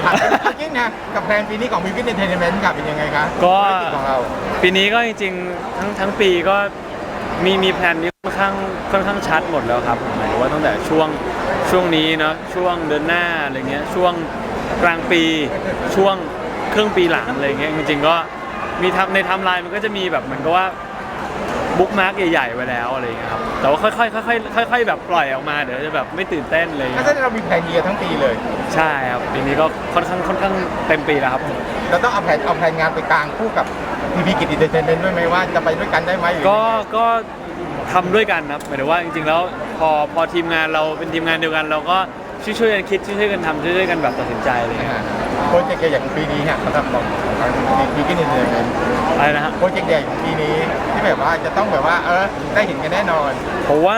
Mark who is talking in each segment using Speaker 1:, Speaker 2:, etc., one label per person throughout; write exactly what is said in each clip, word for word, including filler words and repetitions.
Speaker 1: ถามจริงนะกับแพลนปีนี้ของ Vivid Entertainment ครับเป็นยังไงครับ
Speaker 2: ก็
Speaker 1: ธุรกิจของเรา
Speaker 2: ปีนี้ก็จริงๆทั้งทั้งปีก็มีมีแผนนี้ค่อนข้างค่อนข้างชัดหมดแล้วครับหมายถึงว่าตั้งแต่ช่วงช่วงนี้เนาะช่วงเดือนหน้าอะไรเงี้ยช่วงกลางปีช่วงครึ่งปีหลังอะไรเงี้ยจริงๆก็มีทำในไทม์ไลน์มันก็จะมีแบบเหมือนกับว่าบุ๊กมาร์กใหญ่ๆไว้แล้วอะไรเงี้ยครับแต่ว่าค่อยๆค่อยๆค่อยๆแบบปล่อยออกมาเดี๋ยวจะแบบไม่ตื่นเต้นเลย
Speaker 1: ถ้าจะเรามีแผนเยียร์ทั้งปีเลย
Speaker 2: ใช่ครับปีนี้ก็ค่อนข้างค่อนข้างเต็มปีแล้วครับ
Speaker 1: เราต้องเอาแผนเอาแผนงานไปกลางคู่กับ Vivid Entertainment ด้วยไหมว่าจะไปด้วยกันได้ไหมหรือ
Speaker 2: ก็ก็ทำด้วยกันครับหมายถึงว่าจริงๆแล้วพอพอทีมงานเราเป็นทีมงานเดียวกันเราก็ช่วยช่วยๆกันคิดช่วยๆกันทำช่วยๆกันแบบตัดสินใจอะไรอย่างเงี้ย
Speaker 1: โปรเจกต์ใหญ่อย่างปีนี้เนี่ยสำหรับของทาง Vivid Entertainment
Speaker 2: อะไรนะฮะ
Speaker 1: โปรเจกต์ใหญ่ของปีนี้ที่แบบว่าจะต้องแบบว่าเออได้เห็นกันแน่นอน
Speaker 2: ผมว่า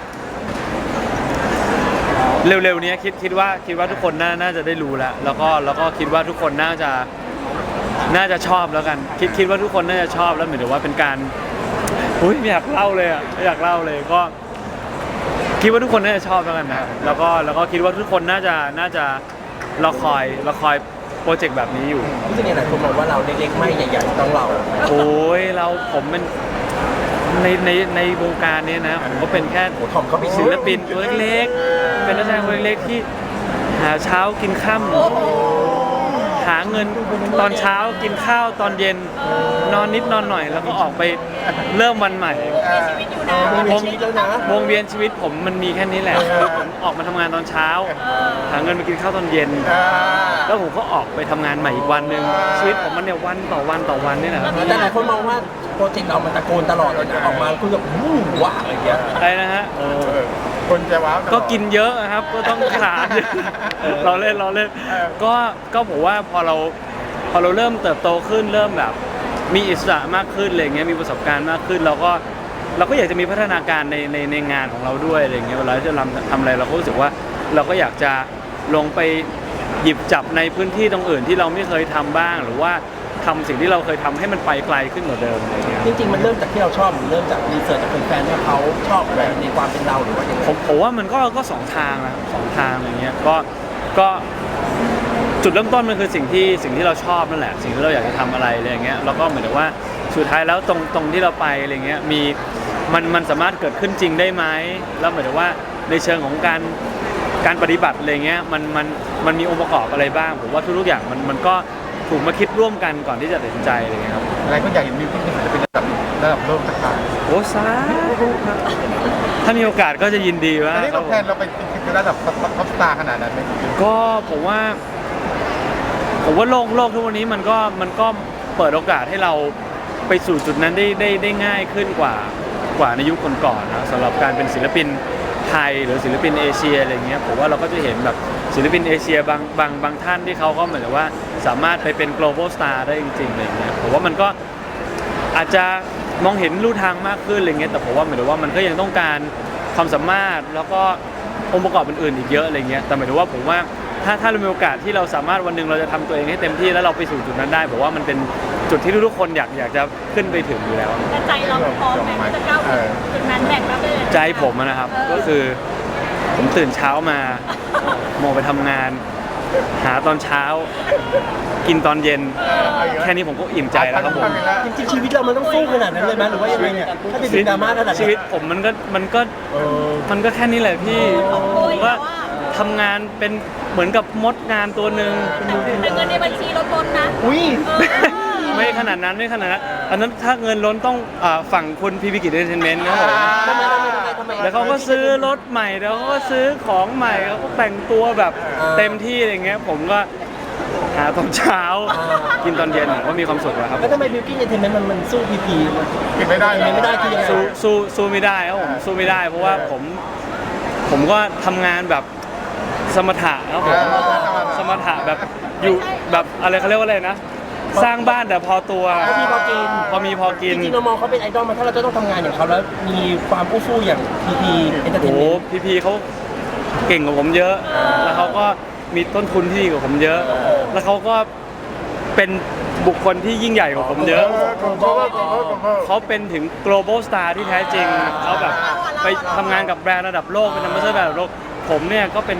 Speaker 2: เร็วๆนี้คิดคิดว่าคิดว่าทุกคนน่าน่าจะได้รู้แล้วแล้วก็แล้วก็คิดว่าทุกคนน่าจะน่าจะชอบแล้วกันคิดคิดว่าทุกคนน่าจะชอบแล้วเหมือนกับว่าเป็นการอุ้ยไม่อยากเล่าเลยอ่ะไม่อยากเล่าเลยก็คิดว่าทุกคนน่าจะชอบแล้วกันนะแล้วก็แล้วก็คิดว่าทุกคนน่าจะน่าจะรอคอยรอคอยโปรเจกต์แบบนี้อยู่
Speaker 3: รู้สึกยังไงหลายคนมองว่าเราเล็กๆไม่ใหญ่ๆต้องเรา
Speaker 2: โอ้ยเราผมเป็นในในในวงการนี้นะผมก็เป็นแค่
Speaker 3: โอ้ทอมเขาไป
Speaker 2: ศิลปินตัวเล็กๆเป็นนักแสดงตัวเล็กๆที่หาเช้ากินค่ำหาเงินตอนเช้ากินข้าวตอนเย็นนอนนิดนอนหน่อย แล้วก็ออกไปเริ่มวันใหม่
Speaker 3: วงชีวิตแล้วนะ
Speaker 2: วงเวียนชีวิตผมมันมีแค่นี้แหละคือผมออกมาทำงานตอนเช้า หาเงินมากินข้าวตอนเย็น แล้วผมก็ออกไปทำงานใหม่อีกวันหนึ่งชีวิตผมมันเนี่ยวันต่อวันต่อวันนี่แหละครับ
Speaker 3: แต่หลายคนมองว่าโปรเจกต์เรามันตะโกนตลอดเลยนะออกมาคือแบบวู้ว้าอะไรอย่างเงี้ย
Speaker 2: อะไรนะฮะ
Speaker 1: เออคนจะว้าวตลอด
Speaker 2: ก็กินเยอะนะครับ ก็ต้องทานเยอะเราเล่นเราเล่น
Speaker 1: เออ
Speaker 2: ก็ก็ผมว่าพอเราพอเราเริ่มเติบโตขึ้นเริ่มแบบ มีอิสระมากขึ้นอะไรเงี้ยมีประสบการณ์มากขึ้นเราก็เราก็อยากจะมีพัฒนาการในในในงานของเราด้วยอะไรเงี้ยเวลาที่เราทำอะไรเราก็รู้สึกว่าเราก็อยากจะลงไปหยิบจับในพื้นที่ตรงอื่นที่เราไม่เคยทำบ้าง หรือว่าทำสิ่งที่เราเคยทำให้มันไปไกลขึ้นกว่าเดิมอะไรเงี้ย
Speaker 3: จริงๆมันเริ่มจากที่เราชอบหรือเริ่มจากรีเสิร์ชจากแฟนๆว่าเขาชอบอะไรในความเป็นเราหรือว่าอย่างไร
Speaker 2: ผมผมว่ามันก็ก็สองทางนะสองทางอะไรเงี้ยก็ก็จุดเริ่มต้นมันคือสิ่งที่สิ่งที่เราชอบนั่นแหละสิ่งที่เราอยากจะทำอะไรอะไรเงี้ยแล้วก็เหมือนกับว่าสุดท้ายแล้วตรงตรงที่เราไปอะไรเงี้ยมีมันมันสามารถเกิดขึ้นจริงได้ไหมแล้วเหมือนกับว่าในเชิงของการการปฏิบัติอะไรเงี้ยมันมันมันมีองค์ประกอบอะไรบ้างผมว่าทุกๆอย่างมันมันก็ถูกมาคิดร่วมกันก่อนที่จะตัดสินใจอะไรเงี้ยครับ
Speaker 1: หลายคนอยากเห็นมิวสิกจะเป็นระดับระดับโลกสักครั้ง
Speaker 2: โอ้สาธุครับถ้ามีโอกาสก็จะยินดีว่า
Speaker 1: อันนี้เราแพลนเราไปเป็นระดับท็อปสตาร์ขนาดนั้นไหม
Speaker 2: ก็ผมว่าผมว่าโลกโลกทุกวันนี้มันก็มันก็เปิดโอกาสให้เราไปสู่จุดนั้นได้ได้ได้ง่ายขึ้นกว่ากว่าในยุคก่อนๆนะสำหรับการเป็นศิลปินไทยหรือศิลปินเอเชียอะไรเงี้ยผมว่าเราก็จะเห็นแบบศิลปินเอเชียบางบางบางท่านที่เขาก็เหมือนกับว่าสามารถไปเป็น global star ได้จริงๆอะไรเงี้ยผมว่ามันก็อาจจะมองเห็นลู่ทางมากขึ้นอะไรเงี้ยแต่ผมว่าเหมือนกับว่ามันก็ยังต้องการความสามารถแล้วก็องค์ประกอบอื่นๆอีกเยอะอะไรเงี้ยแต่หมายถึงว่าผมว่าถ้าถ้าเรามีโอกาสที่เราสามารถวันหนึ่งเราจะทำตัวเองให้เต็มที่แล้วเราไปสู่จุดนั้นได้ผมว่ามันเป็นจุดที่ทุกๆคนอยากอยากจะขึ้นไปถึงอยู่แล้ว
Speaker 4: แต่ใจเราพร้อมไหมที่จะก้าวถึงจุดนั้นแบกรับได้เลย
Speaker 2: ใจผมอะนะครับก็คือผมตื่นเช้ามาโมงไปทำงาน หาตอนเช้า กินตอนเย็น แค่นี้ผมก็อิ่มใจแล้วครับผม
Speaker 3: จริงๆชีวิตเรามันต้องสู้ขนาดนั้นเลยไหมหรือว่ายังไงเนี่ยถ้าเป็นดราม่าขนาด
Speaker 2: ชี
Speaker 3: นี้
Speaker 2: วิตผมมันก็มันก็
Speaker 3: เออ
Speaker 2: มันก็แค่นี้แหละพี่ผมก็ทำงานเป็นเหมือนกับมดงานตัวหนึ่ง
Speaker 4: แต่เงินในบัญชีลดลงนะ
Speaker 3: อุ้ย
Speaker 2: ไม่ขนาดนั้นไม่ขนาดนั้นอันนั้นถ้าเงินล้นต้องอ่าฝั่งคุณพีพีกิจเอนเตอร์เทนเมนต์นะครับผม
Speaker 3: ทำไมทำไมทำไมทำไม
Speaker 2: แล้วเขาก็ซื้อรถใหม่แล้วเขาก็ซื้อของใหม่เขาก็แต่งตัวแบบเต็มที่อะไรเงี้ยผมก็หาตอนเช้า กินตอนเย็นผมก็มีความสุขแล้วครับ
Speaker 3: แล้วทำไมบิวกิ้นเอนเตอร์เทนเมนต์มันมันสู้พีพี
Speaker 1: กินไม่ได้
Speaker 3: ไม่ได้คือยังไง
Speaker 2: สู้สู้สู้ไม่ได้ครับผมสู้ไม่ได้ เพราะว่าผมผมก็ทำงานแบบสมถะครับผมสมถะแบบอยู่แบบอะไรเขาเรียกว่าอะไรนะ สร้างบ้านแต่พอตัว
Speaker 3: พอมีพอกิน
Speaker 2: พอมีพอกิน
Speaker 3: จริงๆเรามองเขาเป็นไอดอลมาถ้าเราจะต้องทำงานอย่างเขาแล้วมีความอู้ฟู่อย่างพีพีเอนเตอร์เท
Speaker 2: โอ้
Speaker 3: น
Speaker 2: โห
Speaker 3: เมนต์
Speaker 2: พี่พีเขาเก่งกว่าผมเยอะ แล้วเขาก็มีต้นทุนที่ดีกว่าผมเยอะ แล้วเขาก็เป็นบุคคลที่ยิ่งใหญ่กว่าผมเยอะ เขาเป็นถึง global star ที่แท้จริง เขาแบบไปทำงานกับแบรนด์ระดับโลก เป็นนัมเบอร์เซอร์ระดับโลก ผมเนี่ยก็เป็น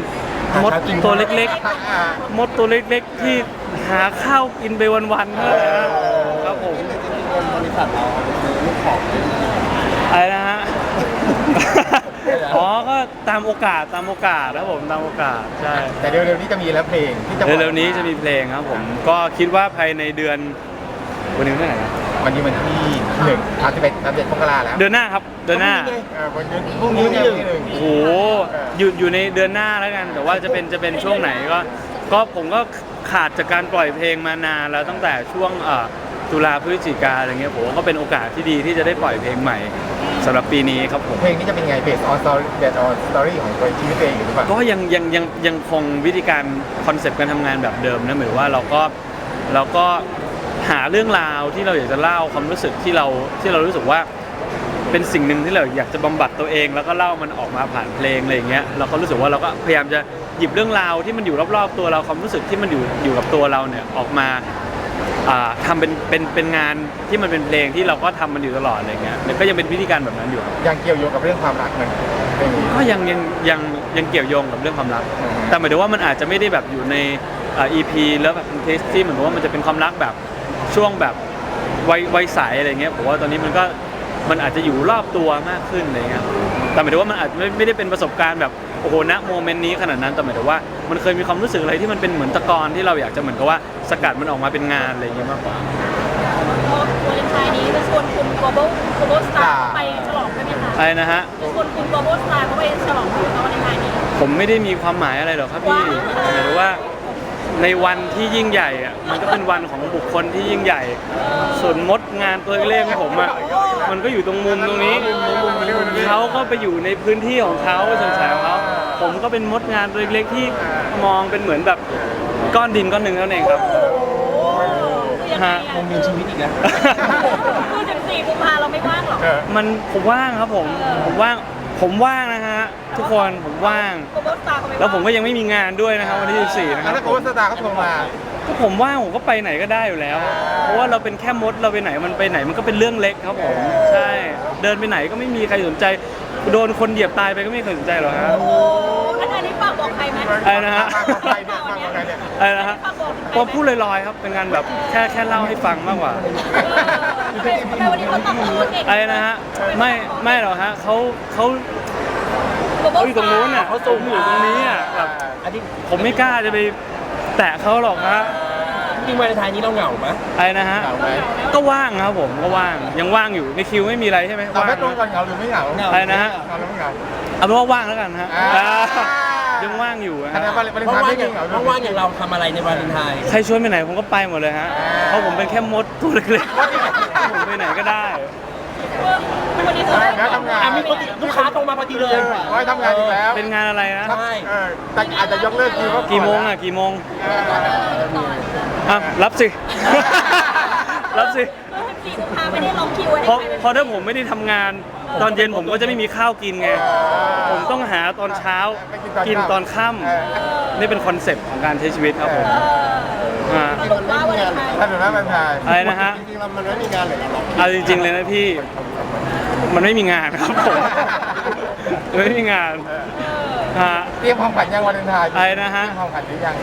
Speaker 2: มดตัวเล็ก
Speaker 1: อ่า
Speaker 2: ๆ มดตัวเล็กๆ ที่หาข้าวกินไปวันๆเท่านั้นนะครับผม
Speaker 3: บริษัทเราซื้อลูกของ
Speaker 2: อะไรนะฮะ อ๋อ ก็ตามโอกาสตามโอกาสครับผมตามโอกาสใช่
Speaker 1: แต่เร็วๆนี้จะมีแล้วเพลงที่จะปล่อย
Speaker 2: เร็วๆนี้จะมีเพลงครับผม ก็คิดว่าภายในเดือนวันนี้เมื่อไหร่นะ
Speaker 1: วันนี้มันที่หนึ่งสามสิบเอ็ดสามสิบเอ็ดมกราแล้ว
Speaker 2: เดือนหน้าครับเดือนหน้า
Speaker 1: เออวันนี้พรุ่งนี้เนี่ยที่หนึ่ง
Speaker 2: โอ้โหอยู่อยู่ในเดือนหน้าแล้วกัน แต่ว่าจะเป็นจะเป็นช่วงไหนก็ ก็ผมก็ขาดจากการปล่อยเพลงมานานแล้วตั้งแต่ช่วงเอ่อตุลาพฤศจิกาอะไรเงี้ยผมว่าก็เป็นโอกาสที่ดีที่จะได้ปล่อยเพลงใหม่สำหรับปีนี้ครับผม
Speaker 1: เพลงนี้จะเป็นไงเบสออนสตอรี่เบสออนสตอรี่ของตัวชีวิตเองหรือเปล่า
Speaker 2: ก็ยังยังยังยังคงวิธีการคอนเซปต์การทำงานแบบเดิมนะหมายว่าเราก็เราก็หาเรื่องราวที่เราอยากจะเล่าความรู้สึกที่เราที่เรารู้สึกว่าเป็นสิ่งหนึ่งที่เราอยากจะบำบัดตัวเอง แล้วก็เล่ามันออกมาผ่านเพลงอะไรอย่างเงี้ยเราก็รู้สึกว่าเราก็พยายามจะหยิบเรื่องราวที่มันอยู่รอบๆตัวเราความรู้สึกที่มันอยู่อยู่กับตัวเราเนี่ยออกมาอ่าทำเป็นเป็นเป็นงานที่มันเป็นเพลงที่เราก็ทำมันอยู่ตลอดอะไรเงี้ยแล้วก็ยังเป็นวิธีการแบบนั้นอยู่ครับ
Speaker 1: ยังเกี่ยวโยงกับเรื่องความรักมันเพลงนี้
Speaker 2: ก็ยังยังยังยังเกี่ยวโยงกับเรื่องความรัก
Speaker 1: อืม
Speaker 2: แต่หมายถึงว่ามันอาจจะไม่ได้แบบอยู่ในอ่า อี พี แล้วแบบเทสที่เหมือนกับว่ามันจะเป็นความรักแบบช่วงแบบวัยวัยใสอะไรเงี้ยผมว่าตอนนี้มันก็มันอาจจะอยู่รอบตัวมากขึ้นอะไรเงี้ยแต่หมายถึงว่ามันอาจจะไม่ไม่ได้เป็นประสบการณ์แบบโอ้โหณโมเมนต์นี้ขนาดนั้นแต่หมายถึงว่ามันเคยมีความรู้สึกอะไรที่มันเป็นเหมือนตะกอนที่เราอยากจะเหมือนกับว่าสกัดมันออกมาเป็นงานอะไรเงี้ยมากกว่า
Speaker 4: วาเลนไทน์นี้จะชวนคุณ global global star ไปฉลองได้ไหมคะ
Speaker 2: อะไรนะฮะ
Speaker 4: จะชวนคุณ global star เขาไปฉลองคุณวาเลนไทน์นี้
Speaker 2: ผมไม่ได้มีความหมายอะไรหรอกครับพี่หมายถึงว่าในวันที่ยิ่งใหญ่อะมันก็เป็นวันของบุคคลที่ยิ่งใหญ่ ส่วนมดงานตัวเล็กๆของผมอะมันก็อยู่ตรงมุมตรงนี้เขาก็ไปอยู่ในพื้นที่ของเขาสงสัยของเขาผมก็เป็นมดงานตัวเล็กๆที่มองเป็นเหมือนแบบก้อนดินก้อนหนึ่งเท่านั้นเองครับ
Speaker 4: คือยังไง
Speaker 2: ฮะ
Speaker 3: วงเวียนชีวิตอีกแล้ว
Speaker 4: คือสิบสี่กุมภาเราไม่ว่างหรอก
Speaker 1: เออ
Speaker 2: มันผมว่างครับผมผมว่างผมว่างนะฮะทุกคนผมว่าง
Speaker 4: global star เขาไม่ว่าง
Speaker 2: แล้วผมก็ยังไม่มีงานด้วยนะครับวันที่สิบสี่นะค
Speaker 1: แล้
Speaker 2: รั
Speaker 1: ว
Speaker 2: บ
Speaker 1: โค้ชสตาร์เขาโทรมา
Speaker 2: ก็ผมว่างผมก็ไปไหนก็ได้อยู่แล้ว เพราะว่าเราเป็นแค่มดเราไปไหนมันไปไหนมันก็เป็นเรื่องเล็กครับผมใช่เดินไปไหนก็ไม่มีใครสนใจโดนคนเหยียบตายไปก็ไม่เคยสนใจหรอกฮะ
Speaker 4: โอ้อันนี้ฝากบอกใครไหม
Speaker 2: อะไรนะฮะ
Speaker 1: ฝากบอกใครเนี่ยฝากบอกใครเนี่ย
Speaker 2: อะไรนะฮะผมพูดลอยๆครับเป็นงานแบบแค่แค่เล่าให้ฟังมากกว่า
Speaker 4: ทำไมวันนี้เขาตอบตัวเก่ง
Speaker 2: อะไรนะฮะไม่ไม่หรอกฮะเขาเขาเขาอยู่ตรงนู้นอ่ะเขาสูงอยู่ตรงนี้อ่ะแบบ
Speaker 3: อันนี้
Speaker 2: ผมไม่กล้าจะไปแตะเขาหรอกฮะ
Speaker 3: จริงวาเลนไทน์นี้เราเหงาไหม
Speaker 2: อะไรนะฮะ
Speaker 1: เหงาไหม
Speaker 2: ก็ว่างครับผมก็ว่างยังว่างอยู่ในคิวไม่มีอะไรใช่ไหม
Speaker 1: เอา
Speaker 2: ว่าง
Speaker 1: ไม่ตรง
Speaker 2: นะ
Speaker 1: กันเหงาหรือไม่เหงา
Speaker 2: อะไรนะฮะ
Speaker 1: เหงาหรือไม่เหงา
Speaker 2: เอาเป็นว่าว่างแล้วกันฮะ
Speaker 1: อ่า
Speaker 2: อ่ายังว่างอยู่นะ
Speaker 1: คะ
Speaker 2: ฮะ
Speaker 1: แนนวาเลน
Speaker 3: เพราะ
Speaker 1: ไทน์
Speaker 3: ว่า
Speaker 1: ไม่
Speaker 3: อ
Speaker 1: มี
Speaker 3: ย่าง
Speaker 1: เหงา
Speaker 3: เพราะว่าอย่างเราทำอะไรในวาเลนไทน์
Speaker 2: ใครชวนไปไหนผมก็ไปหมดเลยฮะ เพราะผมเป็นแค่มดตัวเล็กๆผมไปไหนก็ได้
Speaker 4: วันนี้เขาได้
Speaker 1: แล้วทำงาน
Speaker 3: อ่ะมีคนลูกค้าตรงมาพอดีเลย
Speaker 1: ไว้ทำงานอีกแล้ว
Speaker 2: เป็นงานอะไรนะ
Speaker 3: ใช่
Speaker 1: เออแต่อาจจะยกเลิกคิวเขา
Speaker 2: กี่โมงอ่ะกี่โมง
Speaker 1: เออ
Speaker 2: อ่ะรับสิ รับสิ
Speaker 4: สิบสี่กุมภาไม่ได้ลองคิวไว้
Speaker 2: เพราะ
Speaker 4: ให้ใคร
Speaker 2: เพราะถ้าผมไม่ได้ทำงานตอนเย็นผมก็จะไม่มีข้าวกินไง ผมต้องหาตอนเช้ากินตอนค่ำนี่เป็นคอนเซ็ปต์ของการใช้ชีวิตครับผมอ่า
Speaker 4: สรุปว่าวันไทน์
Speaker 1: ถ้าดูแล้วมันทาย
Speaker 2: อะไรนะฮะ
Speaker 1: จริงๆแล้วมันไม่มีงานเลยหรอก
Speaker 2: เอาจริงๆเลยนะพี่ มันไม่มีงานครับผมมันไม่มีงานฮะ
Speaker 1: เตรียมของขวัญยังวาเลนไทน์
Speaker 2: อะไรนะฮะ
Speaker 1: เตรียมของขวัญหรือยัง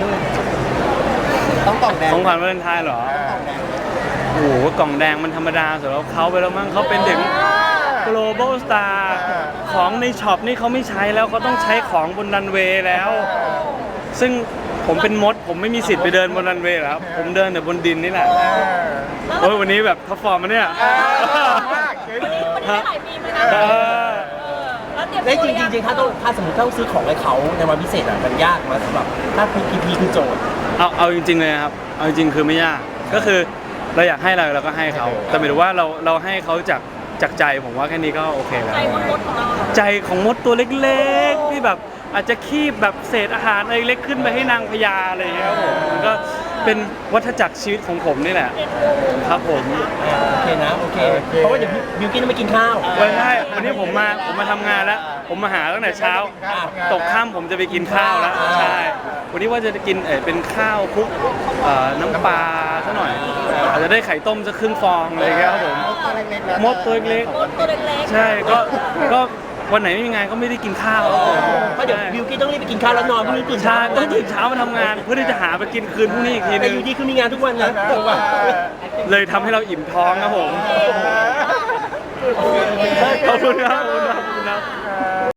Speaker 1: ต้องกล่องแดง
Speaker 2: ของขวัญวาเลนไทน์เหรอ โอ้โหกล่องแดงมันธรรมดาสำหรับเขาไปแล้วมั้งเขาเป็นถึง global star ของในช็อปนี่เขาไม่ใช้แล้วเขาต้องใช้ของบนรันเวย์แล้ว ซึ่งผมเป็นมด ผมไม่มีสิทธิ์ไปเดินบนรันเวย์แล้ว ผมเดินแต่บนดินนี่แหละ
Speaker 1: เออ
Speaker 2: โอ้ยวันนี้แบบท็อปฟอร์มมาเนี่ย
Speaker 1: เออมากเจ๋ง
Speaker 4: วันนี้วันนี้ได้หลายปีไหมนะ
Speaker 2: เออ
Speaker 4: แล้วเตรียม
Speaker 3: ได้
Speaker 4: ตัว
Speaker 3: จริง
Speaker 4: ยัง
Speaker 3: จริงๆถ้าต้องถ้าสมมติต้องซื้อของให้เขาในวันพิเศษอ่ะมันยากไหมสำหรับถ้าพีพีพีคือโจทย์
Speaker 2: เอาเอาจริงๆเลยนะครับ เอาจริงๆคือไม่ยาก ก็คือเราอยากให้อะไรเราก็ให้เขา แต่หมายถึงว่าเราเราให้เขาจากจากใจผมว่าแค่นี้ก็โอเคแล้ว
Speaker 4: ใจมดๆของเราเหรอ
Speaker 2: ใจของมดตัวเล็กๆที่แบบอาจจะคีบแบบเศษอาหารอะไรเล็กขึ้นไปให้นางพญาอะไรอย่างเงี้ยครับผมมันก็เป็นวัฏจักรชีวิตของผมนี่แหละ
Speaker 4: เอ็นดู
Speaker 2: ครับผม
Speaker 3: โอเคนะโอเค เพราะว่าเดี๋ยวบิวกินต้องไปกินข้าว
Speaker 2: วันนี้วันนี้ผมมาผมมาทำงานแล้ว ผมมาหาตั้งแต่เช้า ตกค่ำผมจะไปกินข้าวแล้วใช่วันนี้ว่าจะกินเออเป็นข้าวคลุกเอ่อน้ำปลาซะหน่อยอาจจะได้ไข่ต้มสักครึ่งฟองอะไรอย่างเงี้ยครับผมมดตัวเล็ก
Speaker 4: มดตัวเล็ก
Speaker 2: ๆใช่ก็ก็วันไหนไม่มีงานก็ไม่ได้กินข้าวครับผม
Speaker 3: เพราะเดี๋ยวบิวกี้ต้องรีบไปกินข้าวแล้วนอนพรุ่งนี้ตื่น
Speaker 2: ใช่
Speaker 3: เช้า
Speaker 2: ต้องตื่นเช้ามาทำงาน เพื่อที่จะหาไปกินคืนพรุ่งนี้อีกที
Speaker 3: แต่
Speaker 2: นึง
Speaker 3: อยู่ดีคือมีงานทุกวันนะ
Speaker 2: เลยทำให้เราอิ่มท้องครับผม
Speaker 1: เออ
Speaker 2: ขอบคุณครับขอบคุณครับขอบคุณครับ